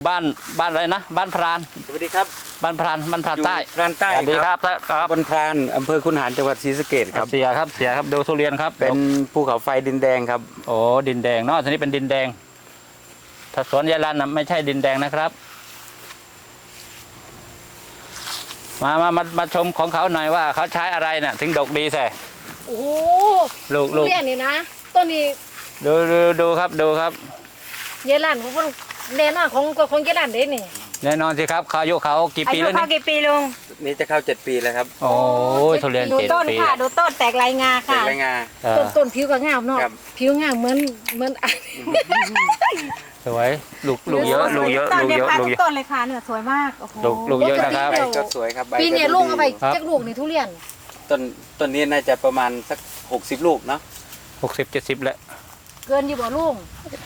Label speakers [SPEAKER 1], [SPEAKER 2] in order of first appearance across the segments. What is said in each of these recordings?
[SPEAKER 1] บ้านอะไรนะบ้านพราน
[SPEAKER 2] สวัสดีครับ
[SPEAKER 1] บ้านพรานใต้
[SPEAKER 2] พรานใต้
[SPEAKER 1] สวัสดีครับ
[SPEAKER 2] บนพรานอำเภอคุนหารจังหวัดศรีสะเกษครับ
[SPEAKER 1] เสียครับดูทุเรียนครับ
[SPEAKER 2] เป็นภูเขาไฟดินแดงครับ
[SPEAKER 1] โอ้ดินแดงเนาะทีนี้เป็นดินแดงถ้าสวนยายรันนะไม่ใช่ดินแดงนะครับมาชมของเขาหน่อยว่าเขาใช้อะไรเนี่ยถึงดกดีแท้
[SPEAKER 3] โอ้โห
[SPEAKER 1] ลูก
[SPEAKER 3] เรียนนี่นะต้นนี้
[SPEAKER 1] ดูครับ
[SPEAKER 3] เยลันของคนแน่นอนของเยลันเด้นี่
[SPEAKER 1] แน่นอนสิครับเขาอายุเขากี่ปีแล้วนี่
[SPEAKER 3] กี่ปีลุง
[SPEAKER 2] นี่จะเข้า7 ปีแล้วครับ
[SPEAKER 1] โอ้ยทุเรียน
[SPEAKER 3] ดู
[SPEAKER 1] 7
[SPEAKER 3] ต้น
[SPEAKER 1] ปี
[SPEAKER 3] ค่ะดูต้นแตกลายงาค่ะ
[SPEAKER 2] แตกลายงา
[SPEAKER 3] ต้นผิวก็งามเนาะผิวงามเหมือน
[SPEAKER 1] สวยลูกเยอะต้น
[SPEAKER 3] เลยค่ะเนี่ยสวยมาก
[SPEAKER 1] ลูกเยอะนะครับ
[SPEAKER 2] ก็สวยครับ
[SPEAKER 3] ปีนี้ลุงเอาไปจักลูกนี่ทุเรียน
[SPEAKER 2] ต้นนี้น่าจะประมาณสัก60 ลูกเนาะ
[SPEAKER 1] 60-70แล้ว
[SPEAKER 3] เกินอยู่บ่ลุง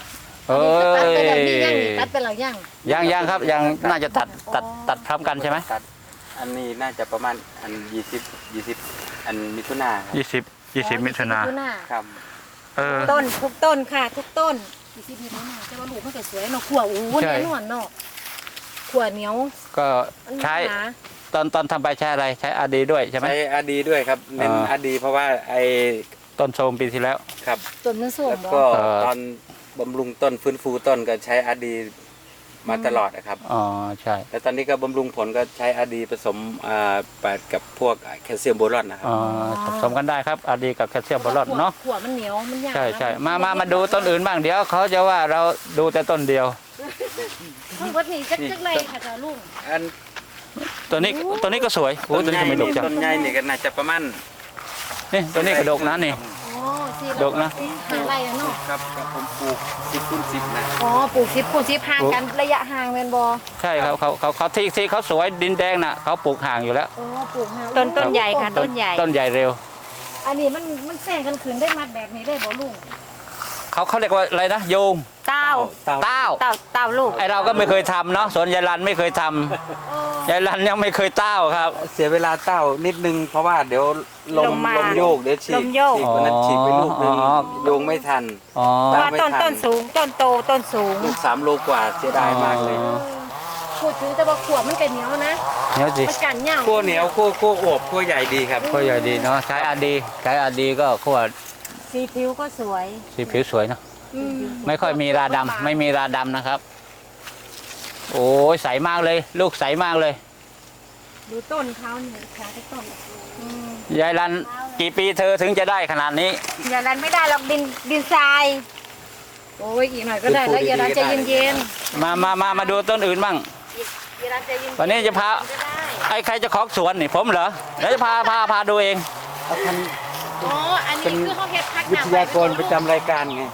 [SPEAKER 3] ตัดไปแล้ว
[SPEAKER 1] ยังครับยังน่าจะตัดพร้อมกันใช่ไหม
[SPEAKER 2] ตัดอันนี้น่าจะประมาณอัน20อันมิถุนา
[SPEAKER 1] 20มิถุนา
[SPEAKER 2] ครับ
[SPEAKER 3] ต้นทุกต้นค่ะทุกต้น20มิถุนาแต่ว่าลูกมันก็สวยเนาะขั่วโอ้โหแน่นอนเนาะขั่วเหนียว
[SPEAKER 1] ก็ใช้ตอนทำไปใช้อะไรใช้อาดีด้วยใช่ไหม
[SPEAKER 2] ใช้อาดีด้วยครับเน้นอาดีเพราะว่าไอ้
[SPEAKER 1] ต้นโทรมปีที่แล้ว
[SPEAKER 2] ครับ
[SPEAKER 3] ต้นมันโทรม
[SPEAKER 2] แล้วก็ตอนบำรุงต้นฟื้นฟูต้นก็ใช้อาดีมาตลอดนะครับ
[SPEAKER 1] อ๋อใช่
[SPEAKER 2] แล้วตอนนี้ก็บำรุงผลก็ใช้อาดีผสมกับพวกแคลเซียมโบรอนนะครับ
[SPEAKER 1] ผสมกันได้ครับอาดีกับแคลเซียมโบรอนเนาะ
[SPEAKER 3] ขั่วมันเหนียวมันยาก
[SPEAKER 1] ใช่มาดูต้นอื่นบ้างเดี๋ยวเขาจะว่าเราดูแต่ต้นเดียว
[SPEAKER 3] ทั้งหมดนี่จักไรค่ะจ้าลุง
[SPEAKER 1] ตัวนี้ก็สวยโอ้ตัวนี้ทำไมดกจัง
[SPEAKER 2] ต้นใหญ่นี่ก็น่าจะประมาณ
[SPEAKER 1] นี่ตัวนี้ก็ดกนะนี่ดกนะ
[SPEAKER 3] อะไรเนาะ
[SPEAKER 2] ครับผมปลูก10 คูณ 10นะ
[SPEAKER 3] ปลูก10 คูณ 10ห่างกันระยะห่างแม่นบ่
[SPEAKER 1] ใช่ครับเขาที่เขาสวยดินแดงน่ะเขาปลูกห่างอยู่แล้ว
[SPEAKER 3] ปลูกห่างต้นใหญ่ค่ะต้นใหญ่
[SPEAKER 1] เร็ว
[SPEAKER 3] อันนี้มันแซงกันขืนได้มัดแบบนี้ได้บ่ลุง
[SPEAKER 1] เขาเรียกว่าอะไรนะโยง
[SPEAKER 3] เต้าลูก
[SPEAKER 1] ไอเราก็ไม่เคยทำเนาะสวนยายรันไม่เคยทำยายรันยังไม่เคยเต้าครับ
[SPEAKER 2] เสียเวลาเต้านิดนึงเพราะว่าเดี๋ยวลมโยกเดี๋ยวฉีกวันนั้นฉีกไปลูกนึงโยงไม่ทัน
[SPEAKER 3] ว่าต้นสูงต้นโตต้นสูง
[SPEAKER 2] ลูก3 โลกว่าเสียดายมากเลย
[SPEAKER 3] พูดถึงแต่ว่าขวบมันก็เหนียวนะ
[SPEAKER 1] เหนียวสิ
[SPEAKER 3] มันกันเหนียว
[SPEAKER 2] ขั้วเหนียวขั้วอวบขั้วใหญ่ดีครับ
[SPEAKER 1] ขั้วใหญ่ดีเนาะใช้อาดีก็ขั้ว
[SPEAKER 3] สีผิวก็สวย
[SPEAKER 1] สีผิวสวยเนาะไม่ค่อยมีราดำไม่มีราดำนะครับโอ้ยใสมากเลยลูกใสมากเลย
[SPEAKER 3] ดูต้นเขาเนี่ยค่ะที่ต้น
[SPEAKER 1] ยายรันกี่ปีเธอถึงจะได้ขนาดนี้
[SPEAKER 3] ยายรันไม่ได้หรอกดินทรายโอ้ยอีกหน่อยก็ได้แล้วยายรันใจเย็น
[SPEAKER 1] มาดูต้นอื่นบ้างวันนี้จะพาใครจะขอสวนนี่ผมเหรอเดี๋ยวจะพาดูเอง
[SPEAKER 3] อันนี้คือห้องเฮ็ดพัก
[SPEAKER 2] วิทยากรประจำรายการไง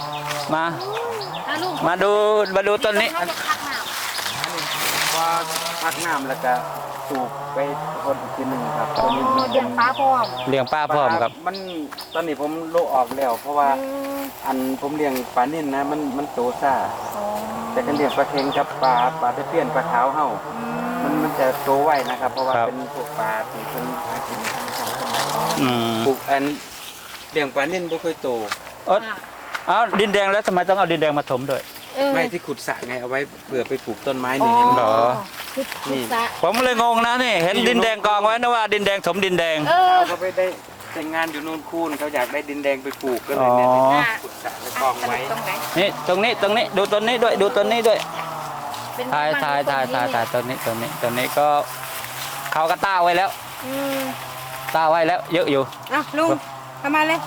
[SPEAKER 1] มาดูต้นนี้
[SPEAKER 2] พอพักน้ำแล้วก็ปลูกไปคนอีกทีหนึ่งครับตอนนี้
[SPEAKER 3] เลี้ยงปลาพร้
[SPEAKER 1] อมครับ
[SPEAKER 2] มันตอนนี้ผมโลออกแล้วเพราะว่าผมเลี้ยงปลานิ่นนะมันโตซ่าแต่การเลี้ยงปลาเค็งกับปลาตะเพียนปลาขาวเห่ามันจะโตไวนะครับเพราะว่าเป็นพวกปลาที่เป็นหากินธรรมชาติปลูกเลี้ยงปลานิ่นไม่ค่อยโต
[SPEAKER 1] เอาดินแดงแล้วทำไมต้องเอาดินแดงมาถมด้วย
[SPEAKER 2] ไม่ที่ขุดสระไงเอาไว้เผื่อไปปลูกต้นไม้นี่
[SPEAKER 1] เหรอนี่ผมเลยงงนะนี่เห็นดินแดงกองไว้นะว่าดินแดงถมดินแดง
[SPEAKER 2] เขาไปได้แต่งงานอยู่นู่นคูนเขาอยากได้ดินแดงไปปลูกก็เลยเนี่ยขุดสระแล้วกองไว้
[SPEAKER 1] นี่ตรงนี้ดูต้นนี้ด้วยถ่ายต้นนี้ก็เขาก็ต้าไว้แล้วต้าไว้แล้วเยอะอยู่
[SPEAKER 3] ลุงทำมาเลย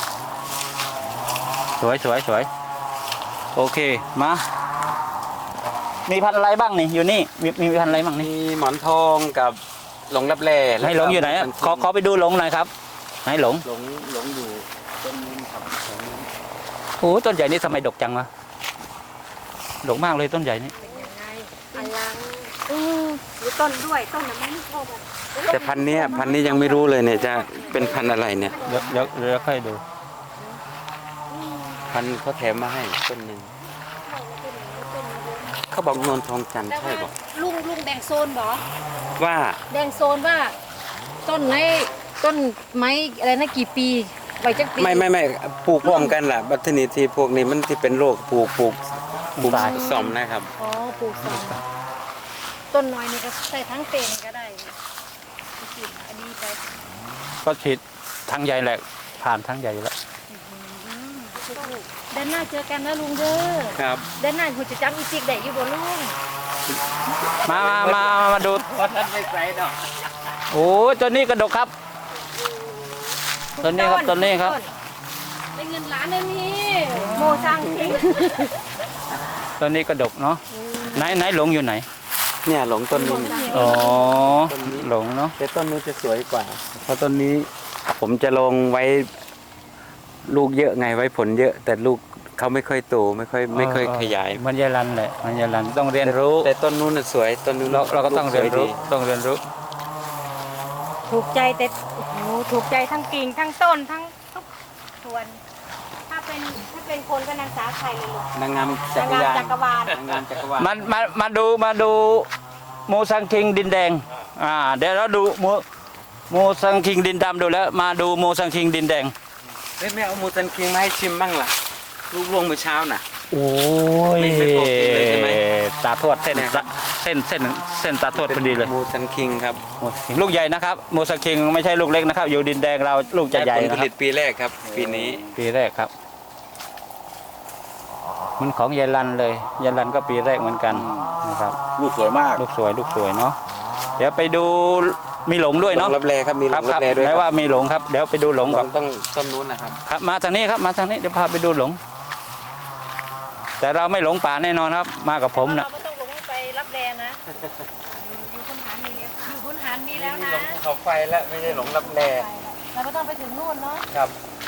[SPEAKER 1] สวยโอเคมามีพันอะไรบ้างนี่อยู่นี่มีพันอะไรบ้างนี่
[SPEAKER 2] มีหมอนทองกับหลงรับแร่
[SPEAKER 1] ให้หลงอยู่ไหนขอไปดูหลงหน่อยครับให้หลง
[SPEAKER 2] อยู่ต้นนี้ครับ
[SPEAKER 1] โอ้ต้นใหญ่นี่ทำไมดกจังวะดกมากเลยต้นใหญ่นี่
[SPEAKER 3] อลังดูต้นด้วยต้นยังไม่เข้า
[SPEAKER 2] แต่พันนี้ยังไม่รู้เลยเนี่ยจะเป็นพันอะไรเนี่ย
[SPEAKER 1] เดี๋ยวค่อยดู
[SPEAKER 2] พันเขาแถมมาให้ต้นหนึ่งเขาบอกนวลทองจันทร์ใช่บอก
[SPEAKER 3] ลุงแดงโซนบอก
[SPEAKER 2] ว่า
[SPEAKER 3] แดงโซนว่าต้นไม้อะไรนะกี่ปีไว้จักปี
[SPEAKER 2] ไม่ปลูกพร้อมกันล่ะบัตรนิทีพวกนี้มันที่เป็นโรคปลูกปลูก
[SPEAKER 1] ทราย
[SPEAKER 2] ซ่อมนะครับ
[SPEAKER 3] อ๋อปลูกส้มต้นน้อยนี่ก็ใส่ทั้งเป็นก็ได้กินอันนี้ไป
[SPEAKER 1] ก็ฉีดทั้งใหญ่แหละผ่านทั้งใหญ่อยู่แล้ว
[SPEAKER 3] เดินหน้าเจอกันนะลุงเด้อ
[SPEAKER 2] ครับ
[SPEAKER 3] เดินหน้าคุณจะจับอีจิกได้อยู่บ่ลุง
[SPEAKER 1] มาดู
[SPEAKER 2] เพราะท่านไม่ใส่ดอก
[SPEAKER 1] โอ้ตัวนี้กระดกครับตัวนี้ครับตัวนี้ครับ
[SPEAKER 3] ได้เงินล้านเลยนี่โมซังทิ้ง
[SPEAKER 1] ตัวนี้กระดกเนาะไหนหลงอยู่ไหน
[SPEAKER 2] เนี่ยหลงต้นนี้
[SPEAKER 1] อ๋อหลงเนาะ
[SPEAKER 2] แต่ต้นนู้นจะสวยกว่า เพราะต้นนี้ผมจะลงไว้ลูกเยอะไงไว้ผลเยอะ แต่ลูกเขาไม่ค่อยโตไม่ค่อยขยาย
[SPEAKER 1] มันยายรันแหละมันยายรันต้องเรียนรู้
[SPEAKER 2] แต่ต้นนู้นน่ะสวยต้นนู้น
[SPEAKER 1] เราก็ต้องเรียนรู้
[SPEAKER 2] ลูกสวดี
[SPEAKER 1] ต้องเรียนรู้
[SPEAKER 3] ถูกใจแต่โอ้โหถูกใจทั้งกิ่งทั้งต้นทั้งทุกส่วน ถ้าเป็นคนก็นางสาวไทยเลยลูก
[SPEAKER 2] นางงามจักร
[SPEAKER 3] นาง
[SPEAKER 2] ยาน
[SPEAKER 3] จักรวาล
[SPEAKER 2] นางงามจักรวาล
[SPEAKER 1] มาดูโมซังคิงดินแดงเดี๋ยวเราดูโมซังคิงดินดำดูแล้วมาดูโมซังคิงดินแดง
[SPEAKER 2] เฮ้ยแม่เอามูซันคิงมาให้ชิมบ้างล่ะลูกลวงเมื่อเช้าน่ะ
[SPEAKER 1] โอ้ย
[SPEAKER 2] ไม่ปกติเลยใช่ไหม
[SPEAKER 1] ตาทวดเส้น
[SPEAKER 2] เนี่ยครับ
[SPEAKER 1] เส้นตาทวดพอดีเลย
[SPEAKER 2] มูซันคิงครับ
[SPEAKER 1] โมซังคิงลูกใหญ่นะครับโมซังคิงไม่ใช่ลูกเล็กนะครับ อยู่ดินแดงเราลูกจะใหญ่
[SPEAKER 2] ผล
[SPEAKER 1] นะ
[SPEAKER 2] ผ
[SPEAKER 1] ครั
[SPEAKER 2] ลิ
[SPEAKER 1] บ
[SPEAKER 2] ตปีแรกครับ ปีนี้
[SPEAKER 1] ปีแรกครับ มันของยายรันเลยยายรันก็ปีแรกเหมือนกันนะครับ
[SPEAKER 2] ลูกสวยมาก
[SPEAKER 1] ลูกสวยเนาะเดี๋ยวไปดูมีหลงด้วยเนาะ
[SPEAKER 2] รับแรครับมี
[SPEAKER 1] ครับ
[SPEAKER 2] รั
[SPEAKER 1] ครับ
[SPEAKER 2] แรด้วย
[SPEAKER 1] ไหนว่ามีหลงครับเดี๋ยวไปดูหลงก่อน
[SPEAKER 2] ต้องต้นนู้นนะครับ
[SPEAKER 1] ครับมาทางนี้ครับมาทางนี้เดี๋ยวพาไปดูหลง แต่เราไม่หลงป่าแน่นอนครับ มากับผมนะ
[SPEAKER 3] เราไม่ต้องลงไปรับแดนนะอยู่คุณหารมีแล้วอยู่คุณหารมีแล้วนะ
[SPEAKER 2] หลงภูเขาไฟแล้วไม่ได้หลงรับแร
[SPEAKER 3] เราไม่ต้องไปถึงนู่นเนาะ
[SPEAKER 2] ครับ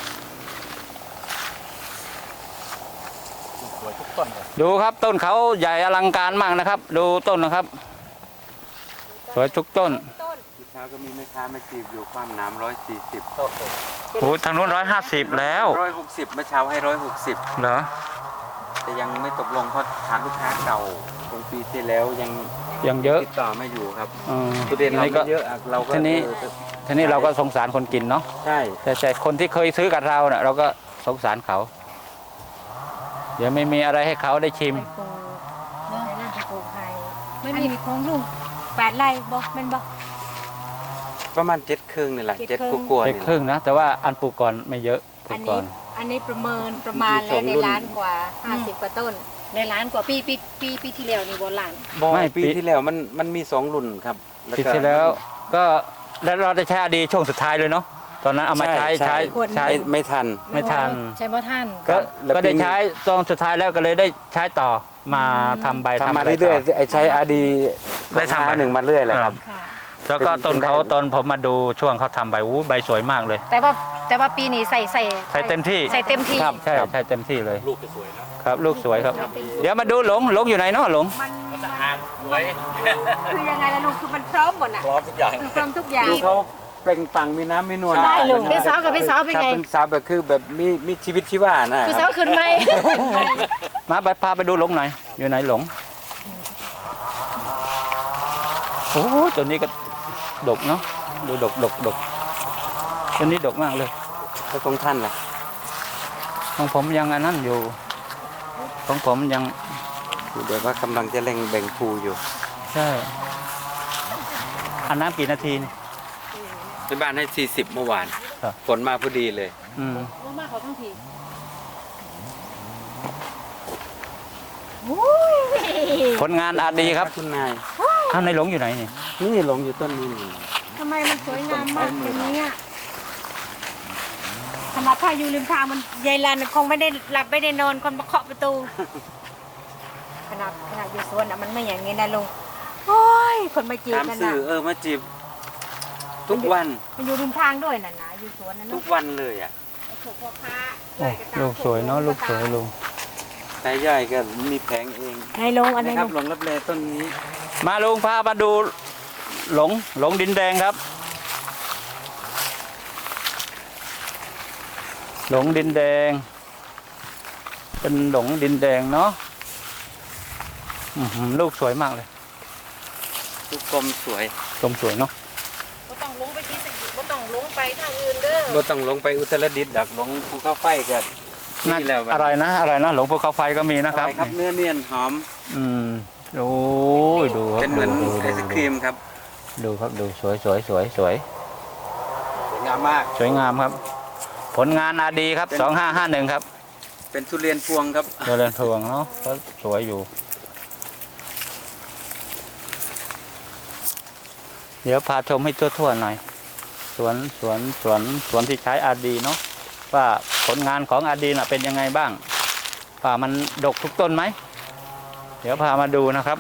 [SPEAKER 1] ดูครับต้นเขาใหญ่อลังการมากนะครับ ดูต้นนะครับ สวยทุกต้น
[SPEAKER 3] ต้น
[SPEAKER 2] ที่เช้าก็มีแม่ค้ามาจีบอยู่ความน้ำ140
[SPEAKER 1] โอ้ทางนู้น150แล้ว
[SPEAKER 2] 160เมื่อเช้าให้160
[SPEAKER 1] เหรอ
[SPEAKER 2] แต่ยังไม่ตกลงเพราะฐานลูกค้าเก่าของปีที่แล้วยัง
[SPEAKER 1] ยังเยอะ
[SPEAKER 2] ติดต่อไม่อยู่ครับ
[SPEAKER 1] อืม
[SPEAKER 2] ทุเรียนเรา
[SPEAKER 1] นี่ก็
[SPEAKER 2] ไม่เยอะอะเราก็
[SPEAKER 1] ทีนี้ ทีนี้เราก็สงสารคนกินเนาะ
[SPEAKER 2] ใช่
[SPEAKER 1] แต่คนที่เคยซื้อกับเราเน่ะเราก็สงสารเขา เดี๋ยวไม่มีอะไรให้เขาได้ชิม
[SPEAKER 3] ไปปลูกเนาะในร้านจะปลูกไผ่ไม่มีของลุง8 ไร่บ่แม่นบ่
[SPEAKER 2] ประมาณ7 ครึ่งนี่แหละ
[SPEAKER 3] เจ็ด
[SPEAKER 2] 7
[SPEAKER 3] ครึ่ง
[SPEAKER 2] กว่าๆ
[SPEAKER 1] เด็ก
[SPEAKER 2] นี่
[SPEAKER 1] ครึ่งนะ แต่ว่าอันปลูกก่อนไม่เยอะปลู
[SPEAKER 3] อั
[SPEAKER 1] ก
[SPEAKER 3] น
[SPEAKER 1] ก่
[SPEAKER 3] นี้
[SPEAKER 1] อน
[SPEAKER 3] อันนี้ประมาณแล้วในล้านกว่า50 กว่าต้น ในล้านกว่าปีที่แล้วนี่บ่ล้าน
[SPEAKER 2] บ่
[SPEAKER 1] ไม่
[SPEAKER 2] ปีที่แล้วมันมี2รุ่นครับ
[SPEAKER 1] ปีที่แล้วก็แล้วเราได้ใช้อดีช่วงสุดท้ายเลยเนาะตอนนั้นเอามาใช้
[SPEAKER 2] ไม่ทัน
[SPEAKER 1] ไม่ทัน
[SPEAKER 3] ใช่บ่ท่าน
[SPEAKER 1] ก็
[SPEAKER 2] แล้ว
[SPEAKER 1] ก็ได้
[SPEAKER 2] ปีนี้
[SPEAKER 1] ใช้ตอนสุดท้ายแล้วก็เลยได้ใช้ต่อมาทำใบ
[SPEAKER 2] ทำมา
[SPEAKER 1] ะไ
[SPEAKER 2] เรื่อยๆไอ้ใช้อาดี
[SPEAKER 1] ได้ทำ
[SPEAKER 2] หนึ่งมาเรื่อยเลยครับ
[SPEAKER 3] ค่ะ
[SPEAKER 1] แล้วก็ต้นเขาตอนผมมาดูช่วงเขาทำใบอู้ใบสวยมากเลย
[SPEAKER 3] แต่ว่าปีนี้ใส่
[SPEAKER 1] ใช้เต็มที่
[SPEAKER 3] ใส่เต็มที่
[SPEAKER 2] ครับ
[SPEAKER 1] ใช่ใช่เต็มที่เลยลูกสวยนะครับลูกสวยครับ เดี๋ยวมาดูหลงอยู่ไหนเนาะหลง
[SPEAKER 3] มันคือยังไงล่ะลุงคือมันพร้อมหมดน่ะ
[SPEAKER 2] พร้อมทุกอย่าง
[SPEAKER 3] พร้อมทุกอย่าง
[SPEAKER 2] ดูเขาเปล่งปลั่งมีน้ำมีนวล
[SPEAKER 3] ใช่ลุงพี่สาวกับพี่สาวเป็นไง
[SPEAKER 2] ครับเป็นสาวแบบคือแบบมีชีวิตชีวานะ
[SPEAKER 3] คือ
[SPEAKER 2] ค
[SPEAKER 3] สา
[SPEAKER 2] รั
[SPEAKER 3] ว
[SPEAKER 2] บ
[SPEAKER 3] ขึ้นไหม
[SPEAKER 1] มาไปพาไปดูหลงหน่อยอยู่ไหนหลงโอ้ตัวนี้ก็ดกเนาะดูดกตัวนี้ดกมากเลย
[SPEAKER 2] แล้วของท่านล่ะ
[SPEAKER 1] ของผมยังอันนั้นอยู่ ของผมยัง
[SPEAKER 2] เดี๋ยวว่ากำลังจะเร่งแบ่งภูอยู่
[SPEAKER 1] ใช่อันน้ำกี่นาทีนี่
[SPEAKER 2] ที่บ้านให้40เมื่อวาน
[SPEAKER 1] ครับ
[SPEAKER 2] ฝนมาพอดีเลย
[SPEAKER 1] อืม
[SPEAKER 3] มาขอทั้งที
[SPEAKER 1] ผลงานอาดีครับ
[SPEAKER 2] คุณนาย
[SPEAKER 1] ท่านในหลงอยู่ไหนนี่
[SPEAKER 2] นี่หลงอยู่ต้นนี้นี่
[SPEAKER 3] ทำไมมันสวยงามมากแบบนี้สำหรับถ้าอยู่ริมทางมันยายลันคงไม่ได้หลับไม่ได้นอนคนมาเคาะประตู ขนาดอยู่สวนอ่ะมันไม่อย่างนี้นะลุงโอ้ยคนมาจีบ
[SPEAKER 2] ตาม
[SPEAKER 3] กัน
[SPEAKER 2] สื่
[SPEAKER 3] นะ
[SPEAKER 2] อมาจีบทุกวัน
[SPEAKER 3] มันอยู่ริมทางด้วยน่ะนะอยู่สวนนั่น
[SPEAKER 2] ทุ
[SPEAKER 3] เนาะ
[SPEAKER 2] กวันเลยอ่ะ
[SPEAKER 3] ถูกพ่อค้า
[SPEAKER 1] โอ้ลูกสวยเนาะลูกสวยลุง
[SPEAKER 2] นายย่อยก็มีแผงเอง
[SPEAKER 3] ให้ลงอันนี้
[SPEAKER 2] นะครับหลงรับแลต้นนี้
[SPEAKER 1] มาลุงพามาดูหลงดินแดงครับ หลงดินแดง เป็นหลงดินแดงเนาะอื้อหือลูกสวยมากเลย
[SPEAKER 2] ทุกกลมสวย
[SPEAKER 1] กลมสวยเนาะ
[SPEAKER 3] ก็ต้องลงไปที่สกิก็ต้องลงไปทางอื่นเด้อ
[SPEAKER 2] บ่ต้องลงไปอุตรดิตถ์ดักลงภูเขาไฟกัน
[SPEAKER 1] น่า
[SPEAKER 2] นี่แหละ
[SPEAKER 1] อร่อยนะหลวงภูเขาไฟก็มีนะครับ
[SPEAKER 2] ครับเนื้อเนียนหอม
[SPEAKER 1] อืมโอ้ยดูครับ
[SPEAKER 2] เป็นเหมือน
[SPEAKER 1] ดู
[SPEAKER 2] ไอศครีมครับ
[SPEAKER 1] ดูครับดูสวย
[SPEAKER 2] สวยงามมาก
[SPEAKER 1] สวยงามครับ ผลงานอาดีครับ2551ครับ
[SPEAKER 2] เป็นทุเรียนพวงครับ
[SPEAKER 1] เจริญพวงเนาะก็สวยอยู่ เดี๋ยวพาชมให้ทั่วๆหน่อยสวนที่ใช้อาดีเนาะว่าผลงานของอาดีน่ะเป็นยังไงบ้างว่ามันดกทุกต้นไหมเดี๋ยวพามาดูนะครับ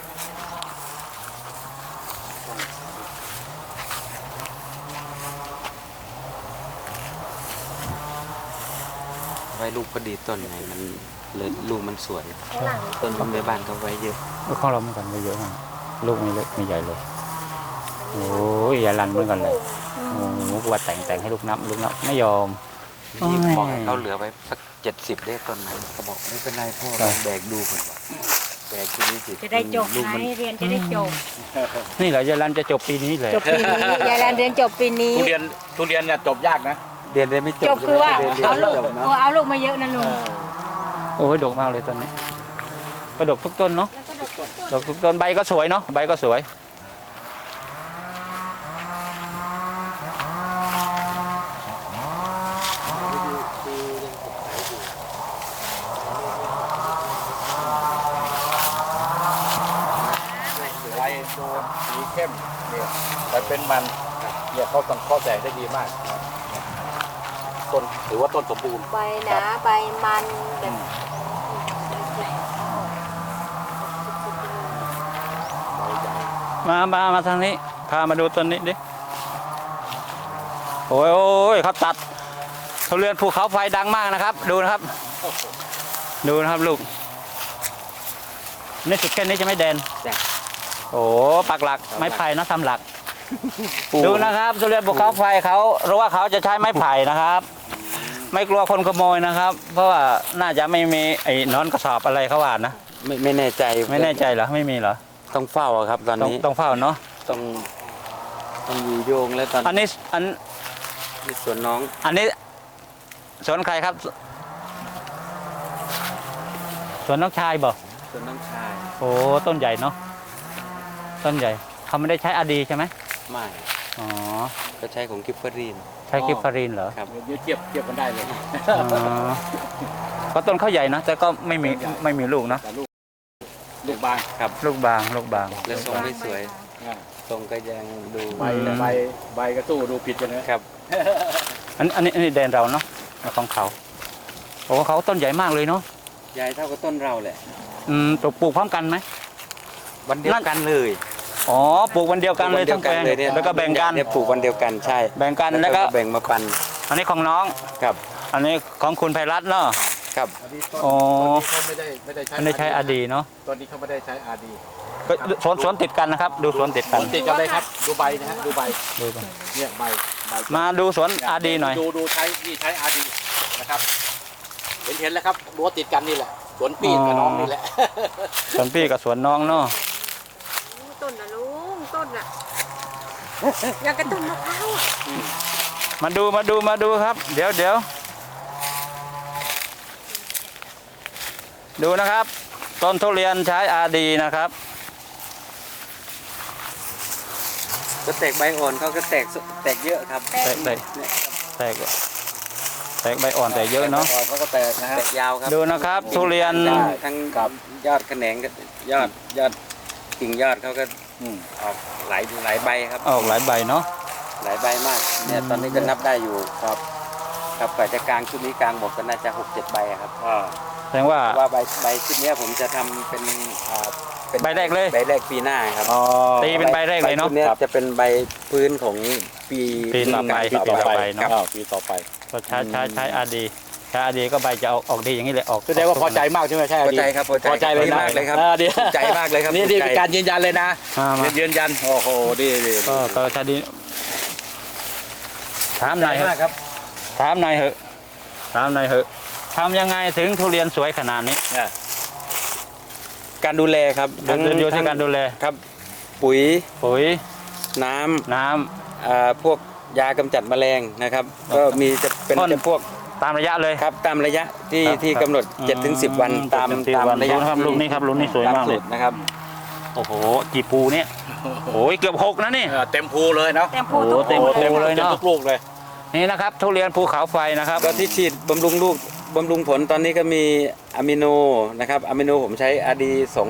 [SPEAKER 2] ไว้ลูกพอดีต้นไหนมันเลยลูกมันสวยต้นในบ้านเขาไว้เยอะ
[SPEAKER 1] ของเราเหมือนกันไม่เยอะมากลูกไม่เล็กไม่ใหญ่เลยโอ้ยอย่าลันเหมือนกันเลยโอ้โหกว่าแต่งให้ลูกนับไม่ยอม
[SPEAKER 2] นี่บอกให้เขาเหลือไว้สัก70ได้ต้นไหนเขาบอกไม่เป็นไรพ่อลองแบกดูก่อนว่าแบกทีนี้สิ
[SPEAKER 3] จะได้จบ
[SPEAKER 2] ลูก
[SPEAKER 3] ไง
[SPEAKER 2] มัน
[SPEAKER 3] เรียนจะได้จบ
[SPEAKER 1] นี่แหละยายลันจะจบปีนี้เลย
[SPEAKER 3] จบปีนี้ยายแลนเรียนจบปีนี้
[SPEAKER 4] ทุเรียนเนี่ยจบยากนะ
[SPEAKER 2] เรียนได้ไม่จบ
[SPEAKER 3] จบคือว่า
[SPEAKER 2] ใช่ไหม
[SPEAKER 3] เอาลูก
[SPEAKER 2] เรียนจบนะ
[SPEAKER 3] เอาลูกมาเยอะนะลุง
[SPEAKER 1] โอ้ยดกมากเลยต้นนี้ก็ดกทุกต้นเนาะดกทุกต้นใบก็สวยเนาะใบก็สวย
[SPEAKER 4] ใบโดนสีเข้มเนี่ยแต่เป็นมันเนี่ยเขาต้องข้อแสงได้ดีมากต้นถือว่าต้นสมบูรณ์
[SPEAKER 3] ใบหนาใบมันแบบ
[SPEAKER 1] มาทางนี้พามาดูต้นนี้ดิโอ้ยเขาตัดทุเรียนภูเขาไฟดังมากนะครับ ดูนะครับลูกนี่สุดแค่นี้จะไม่แดน
[SPEAKER 2] จ้ะ
[SPEAKER 1] โอ้ปักหลักไม้ไผ่นะทำหลัก ดูนะครับทุเรียนภูเขาไฟเขารู้ว่าเขาจะใช้ไม้ไผ่นะครับ ไม่กลัวคนขโมยนะครับ เพราะว่าน่าจะไม่มีไอ้นอนกระสอบอะไรเขาว่านะ
[SPEAKER 2] ไม่แน่ใจ
[SPEAKER 1] ไม่แน่ใจเหรอไม่มีเหรอ
[SPEAKER 2] ต้องเฝ้าอะครับ ตอนนี้
[SPEAKER 1] ต้องเฝ้าเนาะ
[SPEAKER 2] ต้องอยู่โยงแล้วตอน
[SPEAKER 1] อันนี้อัน
[SPEAKER 2] ที่สวนน้อง
[SPEAKER 1] อันนี้สวนใครครับสวนน้องชายบอก
[SPEAKER 2] สวนน้องชาย
[SPEAKER 1] โอ้ต้นใหญ่เนาะต้นใหญ่เขาไม่ได้ใช้อาดีใช่ไหม
[SPEAKER 2] ไม่
[SPEAKER 1] อ๋อ
[SPEAKER 2] ก็ใช้ของกิฟเฟอรีน
[SPEAKER 1] ใช้กิฟฟารินเหรอ
[SPEAKER 2] ครับ
[SPEAKER 4] เดี๋ยวเทียบกันได้เลย
[SPEAKER 1] อ๋อก็ต้นเขาใหญ่นะแต่ก็ไม่มีลูกนะ
[SPEAKER 4] แต่ลูกบาง
[SPEAKER 1] ลูกบาง
[SPEAKER 2] และทรงไม่สวย
[SPEAKER 4] อ่า
[SPEAKER 2] ทรงก็ยังดู
[SPEAKER 4] ใบก็สู้ดูผิดกันนะครับ
[SPEAKER 1] อันนี้แดนเราเนาะของเขาโอ้เขาต้นใหญ่มากเลยเนาะ
[SPEAKER 2] ใหญ่เท่ากับต้นเราแหละ
[SPEAKER 1] ปลูกพร้อมกันไหม
[SPEAKER 2] วันเดียวกันเลย
[SPEAKER 1] อ๋อปลูกวันเดียวกันเลยทั้งแปลง
[SPEAKER 2] เนี่ย
[SPEAKER 1] แล้วก็แบ่งกัน
[SPEAKER 2] เนี่ยปลูกวันเดียวกันใช่
[SPEAKER 1] แบ่งกันแล้วก็
[SPEAKER 2] แบ่งมาปัน
[SPEAKER 1] อันนี้ของน้อง
[SPEAKER 2] ครับ
[SPEAKER 1] อันนี้ของคุณไพรัตน์เนาะ
[SPEAKER 2] ครับ
[SPEAKER 4] อันนี้
[SPEAKER 1] อ๋อ
[SPEAKER 4] เขาไม่ได้ใช้
[SPEAKER 1] อันนี้ใช้อาดีเนาะ
[SPEAKER 4] ตอนนี้เขาไม่ได้ใช้อาดี
[SPEAKER 1] ก็สวนติดกันนะครับ ดูสวนติดกัน
[SPEAKER 4] ติดกันเลยครับดูใบนะฮะดูใบ
[SPEAKER 1] ดูกัน
[SPEAKER 4] เนี่ยใบ
[SPEAKER 1] มาดูสวนอาดีหน่อย
[SPEAKER 4] ดูใช้อาดีนะครับเห็นแล้วครับรั้วติดกันนี่แหละสวนปีนกับน้องนี่แหละ
[SPEAKER 1] สวนพี่กับสวนน้องเนาะ
[SPEAKER 3] ต้นนะลุงต้นน่ะอยากกระต้นมะพร้าวอ่ะ
[SPEAKER 1] มาดูครับ เดี๋ยวดูนะครับ ต้นทุเรียนใช้อาดีนะครับ
[SPEAKER 2] ก็แตกใบอ่อนเขาก็แตกเยอะครับ
[SPEAKER 1] แตก
[SPEAKER 2] เนี่ย
[SPEAKER 1] แตกใบอ่อนแต่เยอะเนาะ
[SPEAKER 4] เขาก็แตกนะฮะ
[SPEAKER 2] แตกยาวครับ
[SPEAKER 1] ดูนะครับ ทุเรียน
[SPEAKER 2] ทั้งยอดแขนงกับยอดกิ่งยอดเขาก็
[SPEAKER 4] อืม
[SPEAKER 2] ออกหลายใบครับ
[SPEAKER 1] ออกหลายใบเนาะ
[SPEAKER 2] หลายใบมากเนี่ยตอนนี้ก็นับได้อยู่ครับกว่าจะกลางชุดนี้กลางหมดก็น่าจะ6-7 ใบอะครับ
[SPEAKER 1] แสดงว่า
[SPEAKER 2] ว่าใบชุดเนี้ยผมจะทำเป็นเป็น
[SPEAKER 1] ใบแรกเลย
[SPEAKER 2] ใบแรกปีหน้าครับ
[SPEAKER 1] ตีเป็นใบแรกเลยเนาะ
[SPEAKER 2] ใบชุดเนี้ยจะเป็นใบพื้นของปี
[SPEAKER 1] ปีต่อไป
[SPEAKER 2] ปีต่อไป
[SPEAKER 1] เนอะ
[SPEAKER 2] ครับ
[SPEAKER 4] ปีต่อไป
[SPEAKER 1] ก็ใช้อาดีใช้อาดีก็ใบจะออกดีอย่างนี้เลยออก
[SPEAKER 4] แสดงว่าพอใจมากใช่ไหมใช่
[SPEAKER 2] พอใจครับ
[SPEAKER 4] พอใจเลยนะ
[SPEAKER 2] มากเลยครับ
[SPEAKER 4] ดี
[SPEAKER 2] ภูมิใจมากเลยครับ
[SPEAKER 4] นี่
[SPEAKER 2] ภูมิใจ
[SPEAKER 4] เป็นการยืนยันเลยนะ
[SPEAKER 1] มา
[SPEAKER 4] ยืนยันโอ้โหดี
[SPEAKER 1] ก็ใช้ดีถามหน่อย
[SPEAKER 2] มากครับ
[SPEAKER 1] ถามหน่อยเหอะทำยังไงถึงทุเรียนสวยขนาดนี้
[SPEAKER 2] การดูแลครับ
[SPEAKER 1] อยู่ที่การดูแล
[SPEAKER 2] ครับ ปุ๋ย
[SPEAKER 1] ปุ๋ย
[SPEAKER 2] น้ำ
[SPEAKER 1] น้ำ
[SPEAKER 2] พวกยากำจัดแมลงนะครับ ก็มีจะเป็น
[SPEAKER 1] พ่น
[SPEAKER 2] จะพวก
[SPEAKER 1] ตามระยะเลย
[SPEAKER 2] ครับตามระยะที่
[SPEAKER 1] ครับ
[SPEAKER 2] ที่กำหนด 7-10 วันตาม
[SPEAKER 1] 7-10
[SPEAKER 2] ระยะ
[SPEAKER 1] ดูนะครับลูกนี้ครับลูกนี้สวยมากเลย
[SPEAKER 2] ตสูตรนะครับ
[SPEAKER 1] โอ้โหกี่ภูเนี่ยโอ้ยเกือบ6นะนี่
[SPEAKER 4] เต็มภูเลยเนาะ
[SPEAKER 3] แต่
[SPEAKER 1] โอ้
[SPEAKER 3] พูด
[SPEAKER 1] โหเต็มภูเลยเนาะ
[SPEAKER 4] ทุกลูกเลย
[SPEAKER 1] นี่นะครับทุเรียนภูเขาไฟนะครับ
[SPEAKER 2] ก็ที่ฉีดบำรุงลูกบำรุงผลตอนนี้ก็มีอะมิโนนะครับอะมิโนผมใช้ RD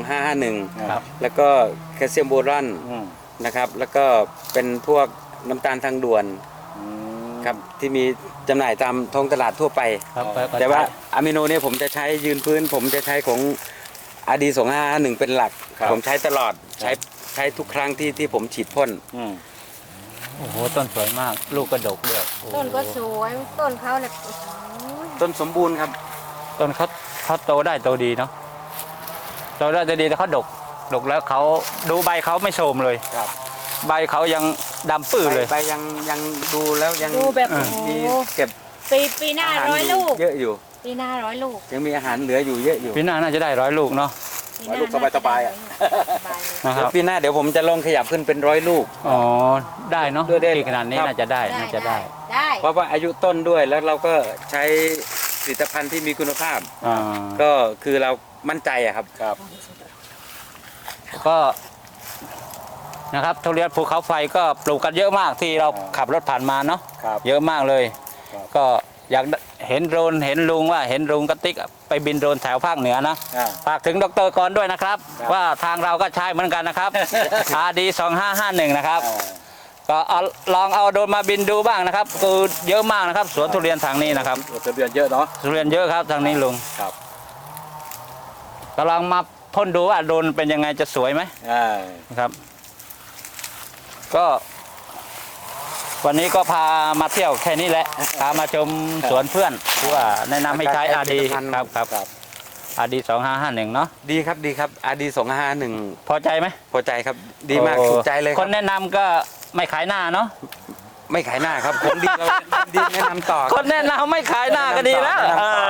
[SPEAKER 2] 2551
[SPEAKER 1] ครับ
[SPEAKER 2] แล้วก็แคลเซียมโบรอน
[SPEAKER 4] อืม
[SPEAKER 2] นะครับแล้วก็เป็นพวกน้ำตาลทางด่วนครับที่มีจำหน่ายตามท้องตลาดทั่วไป
[SPEAKER 1] ครับ
[SPEAKER 2] แต่ว่าอะมิโนเนี่ยผมจะใช้ยืนพื้น ผมจะใช้ของ RD 2551เป็นหลัก ผมใช้ตลอดใช้ทุกครั้งที่ผมฉีดพ่น
[SPEAKER 4] อืม
[SPEAKER 1] โอ้โหต้นสวยมากลูกกระดกด้วยโอ้โห
[SPEAKER 3] ต้นก็สวยต้นเขาเนี่ย
[SPEAKER 2] ต้นสมบูรณ์ครับ
[SPEAKER 1] ต้นเขาโตได้โตดีเนาะโตได้โตดีแต่เขาดกแล้วเขาดูใบเขาไม่โทรมเลย
[SPEAKER 2] ครับ
[SPEAKER 1] ใบเขายังดำปื้อเลย
[SPEAKER 2] ใบยังดูแล้วยัง
[SPEAKER 3] ดูแบบ
[SPEAKER 1] อ่า
[SPEAKER 3] โอ้โห
[SPEAKER 2] มีเก็บ
[SPEAKER 3] ปีหน้า
[SPEAKER 2] อาหาร
[SPEAKER 3] 100 ลูก
[SPEAKER 2] เยอะอยู่
[SPEAKER 3] ปีหน้า100 ลูก
[SPEAKER 2] ยังมีอาหารเหลืออยู่เยอะอยู่
[SPEAKER 1] ปีหน้าน่าจะได้100 ลูกเนาะ
[SPEAKER 3] ปีหน้
[SPEAKER 4] ลูกสบายๆอะ
[SPEAKER 3] สบายเลย
[SPEAKER 1] นะครับ
[SPEAKER 2] ปีหน้าเดี๋ยวผมจะลองขยับขึ้นเป็น100 ลูก
[SPEAKER 1] อ๋อได้เนาะ
[SPEAKER 2] ด้วยได้
[SPEAKER 1] ที่ขนาดนี้
[SPEAKER 2] ครับ
[SPEAKER 1] น่าจะได้น่าจะได้
[SPEAKER 3] ได้
[SPEAKER 2] เพราะว่าอายุต้นด้วยแล้วเราก็ใช้ผลิตภัณฑ์ที่มีคุณภาพ
[SPEAKER 1] อ่า
[SPEAKER 2] ก็คือเรามั่นใจอะครับ
[SPEAKER 4] ครับ
[SPEAKER 1] ก็นะครับทุเรียนภูเขาไฟก็ปลูกกันเยอะมากที่เราขับรถผ่านมาเนาะ
[SPEAKER 4] ครับ
[SPEAKER 1] เยอะมากเลย
[SPEAKER 4] ครับ
[SPEAKER 1] ก็อยากเห็นโดรนเห็นลุงว่าเห็นลุงกระติกไปบินโดรนแถวภาคเหนือนะ
[SPEAKER 4] อ่า
[SPEAKER 1] ฝากถึงดรกรด้วยนะครับ
[SPEAKER 4] ครับ
[SPEAKER 1] ว่าทางเราก็ใช้เหมือนกันนะครับ RD 2551นะครับ ก็ลองเอาโดรนมาบินดูบ้างนะครับคือเยอะมากนะครับ สวนทุเรียนทางนี้นะครับ
[SPEAKER 4] ทะเบียนเยอะเนาะ
[SPEAKER 1] ทุเรียนเยอะครับทางนี้ลุง
[SPEAKER 4] ครับ
[SPEAKER 1] ก็ลองมาพ่นดูว่าโดรนเป็นยังไงจะสวยไหม
[SPEAKER 4] อ่า
[SPEAKER 1] นะครับ ก็วันนี้ก็พามาเที่ยวแค่นี้แหละ พามาชมสวนเพื่อนที่ว่าแนะนำให้ใช้ RD ครับครับ
[SPEAKER 4] ครับ
[SPEAKER 1] RD 2551เนาะ
[SPEAKER 2] ดีครับดีครับ RD 2551
[SPEAKER 1] พอใจไหม
[SPEAKER 2] พอใจครับดีมาก
[SPEAKER 1] โอ้
[SPEAKER 2] ถูกใจเลยค
[SPEAKER 1] ครับ นแนะนำก็ไม่ขายหน้าเนาะ
[SPEAKER 2] ไม่ขายหน้าครับของดีเราดีแนะนำต่อ
[SPEAKER 1] คนแนะนำไม่ขายหน้าก็ดีแล้ว
[SPEAKER 2] แนะนำต่อ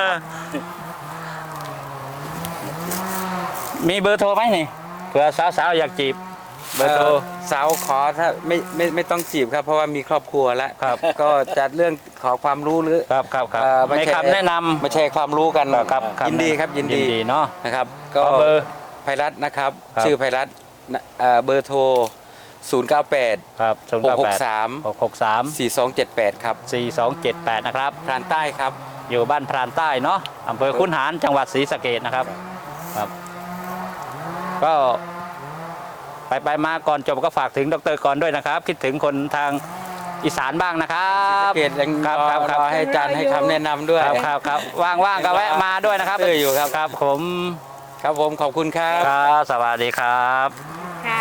[SPEAKER 1] มีเบอร์โทรไหมนี่เผื่อสาวๆอยากจีบเบอร์โทร
[SPEAKER 2] สาวขอถ้าไม่ต้องจีบครับ เพราะว่ามีครอบครัวแล้ว
[SPEAKER 1] ครับ
[SPEAKER 2] ก็จัดเรื่องขอความรู้หรือ
[SPEAKER 1] ครับครับครับ
[SPEAKER 2] ไม่
[SPEAKER 1] ไม่
[SPEAKER 2] ใช่
[SPEAKER 1] คำแนะนำ
[SPEAKER 2] มาแชร์ความรู้กัน
[SPEAKER 1] ครับ
[SPEAKER 2] ยินดีครับยินดี
[SPEAKER 1] เนาะ
[SPEAKER 2] นะครับ
[SPEAKER 1] ข
[SPEAKER 2] ก็
[SPEAKER 1] อเบอร์
[SPEAKER 2] ไพรัตน์นะครับ
[SPEAKER 1] ครับ
[SPEAKER 2] ชื่อไพรัตน์เบอร์โทร 098
[SPEAKER 1] ครับ
[SPEAKER 2] 663
[SPEAKER 1] 663
[SPEAKER 2] 4278 ครับ
[SPEAKER 1] 4278นะครับ
[SPEAKER 2] พรานใต้ครับ
[SPEAKER 1] อยู่บ้านพรานใต้เนาะอำเภอคุนหารจังหวัดศรีสะเกษนะครับครับ ก็ไปมาก่อนจบก็ฝากถึงดรกรด้วยนะครับ คิดถึงคนทางอีสานบ้างนะครับ
[SPEAKER 2] เกตยัง
[SPEAKER 1] ครับ
[SPEAKER 2] รอ
[SPEAKER 1] ครับครับ
[SPEAKER 2] รอให้อาจารย์ให้คำแนะนำด้วย
[SPEAKER 1] ครับว่างๆก็แวะมาด้วยนะครับ
[SPEAKER 2] อยู่ครับ
[SPEAKER 1] ครับผม
[SPEAKER 2] ครับผมขอบคุณครับ
[SPEAKER 1] ครับสวัสดีครับ
[SPEAKER 3] ค่ะ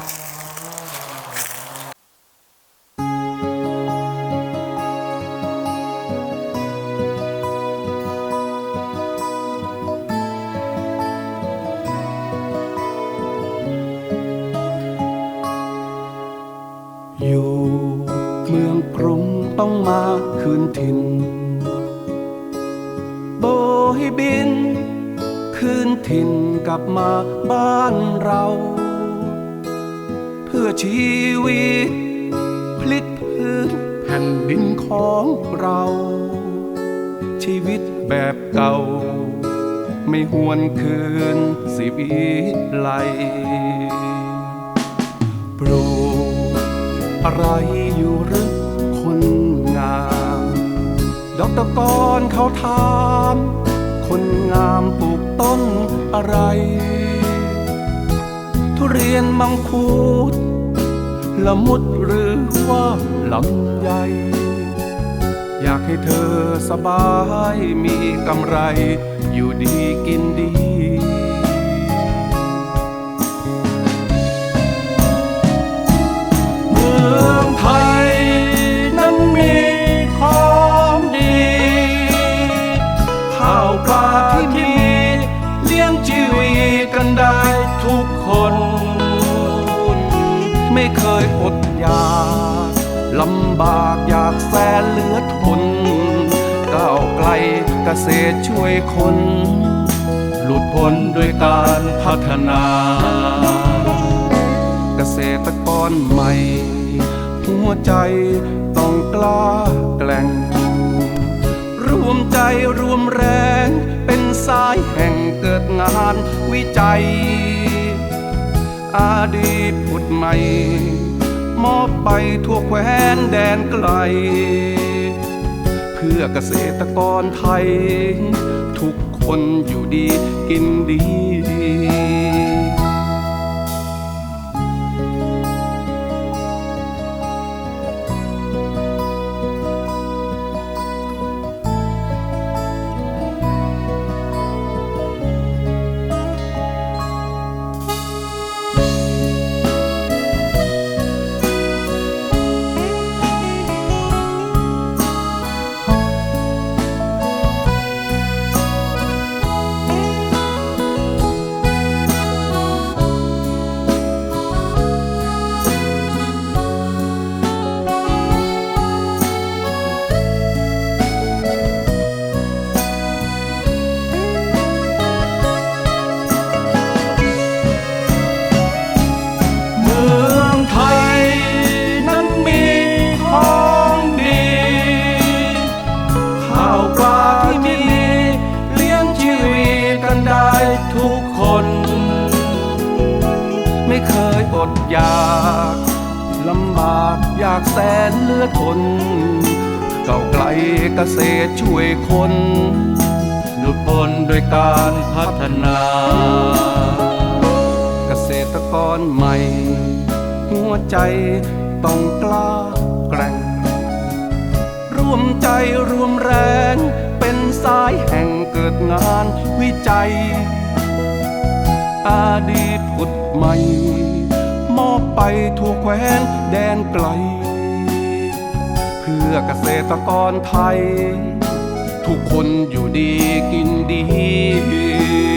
[SPEAKER 5] อยู่เมืองกรุงต้องมาคืนถิ่นโบยบิน คืนถิ่นกลับมาบ้านเรา เพื่อชีวิตพลิกพื้นแผ่นดินของเรา ชีวิตแบบเก่า ไม่หวนคืนสิวิไลปลูกอะไรอยู่หรือคนงามดอกตะกอนเขาถามคนงามปลูกต้นอะไร ทุเรียนมังคุดละมุดหรือว่าลำไยอยากให้เธอสบายมีกำไรอยู่ดีกินดีเมืองไทยนั้นมีของดีข้าวปลาที่มีเลี้ยงชีวิตกันได้ทุกคนไม่เคยอดอยากลำบากอยากแสนเหลือทนก้าวไกลเกษตรช่วยคนหลุดพ้นด้วยการพัฒนา เกษตรกรใหม่ หัวใจต้องกล้าแกล่งรวมใจรวมแรงเป็นสายแห่งเกิดงานวิจัย อดีตผุดใหม่ มอบไปทั่วแคว้นแดนไกล เพื่อเกษตรกรไทย ทุกคนอยู่ดีกินดี เมืองไทยนั้นมีของดี ข้าวปลาที่มีเลี้ยงชีวิตกันได้ทุกคน ไม่เคยอดอยากลำบากอยากแสนเหลือทนเก่าวไกลเกษตรช่วยคนหลุดพ้นโดยการพัฒนา เกษตรกรใหม่ หัวใจต้องกล้าแกร่ง ร่วมใจรวมแรงเป็นสายแห่งเกิดงานวิจัย อดีตผุดใหม่ มอบไปทั่วแคว้นแดนไกล เพื่อเกษตรกรไทย ทุกคนอยู่ดีกินดี